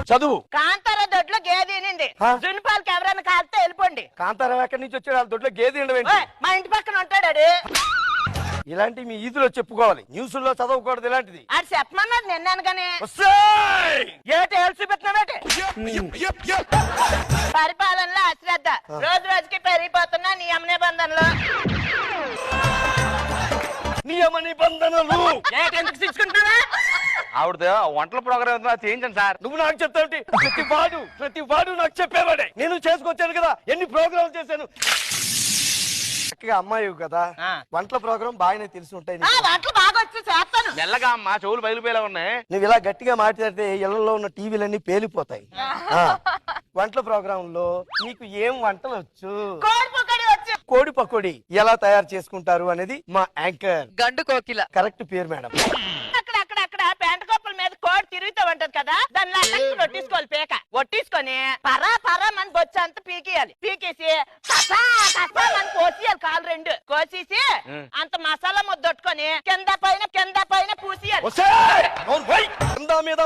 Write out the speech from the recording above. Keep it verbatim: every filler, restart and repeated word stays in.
చదువు. కాంతారా దొడ్లో గేదె ఈనింది. జున్పాలకి ఎవరైనా కాలితే వెళ్ళిపోండి. కాంతారావు ఎక్కడి నుంచి వచ్చాడు? వాళ్ళ దొడ్లో గేదె ఉండవేంటి? మా ఇంటి పక్కన ఉంటాడు. ఇలాంటి మీ ఈదులో చెప్పుకోవాలి, న్యూస్ లో చదవకూడదు ఇలాంటిది. అది చెప్పమన్నది నిన్నాను గానీ ఏటి ఏల్చి పెట్టినావేటి? పరిపాలనలో అశ్రద్ధ రోజు రోజుకి పెరిగిపోతున్నా నియమ నిబంధనలు. నియమ నిబంధనలు ఎందుకు తీసుకుంటున్నా? ఆవిడ వంటల ప్రోగ్రామ్ చేయించండి సార్. నువ్వు నాకు చెప్తావుటి? ప్రతి వాడు ప్రతి వాడు నాకు చెప్పేవాడే. నేను చేసుకొచ్చాను కదా, ఎన్ని ప్రోగ్రాంలు చేశాను. చక్కగా అమ్మాయి కదా, వంటల ప్రోగ్రాం బాగానే తెలిసి ఉంటాయి. వంటలు బాగా వచ్చి చేస్తాను. మెల్లగా అమ్మా, చెవులు బయలుపోయేలా ఉన్నాయి. నువ్వు ఇలా గట్టిగా మాట్లాడితే ఇళ్లలో ఉన్న టీవీలన్నీ పేలిపోతాయి. వంటల ప్రోగ్రామ్ లో నీకు ఏం వంటలు వచ్చు? కోడి పకోడి ఎలా తయారు చేసుకుంటారు అనేది మా యాంకర్ గండు కోకిల కరెక్ట్ పేరు మేడం. అక్కడ అక్కడ అక్కడ పెంట కొప్పల మీద కోడి తిరుగుతూ ఉంటది కదా, దాన్ని ఒట్టించుకోవాలి. పేక ఒట్టించుకొని పరా పరా మన బొచ్చు అంతా పీకేయాలి. పీకేసి కసా కసా మన కోసేయాలి. కాలు రెండు కోసేసి అంత మసాలా ముద్దొట్టుకొని కింద పైన కింద పైన పూసేయాలి.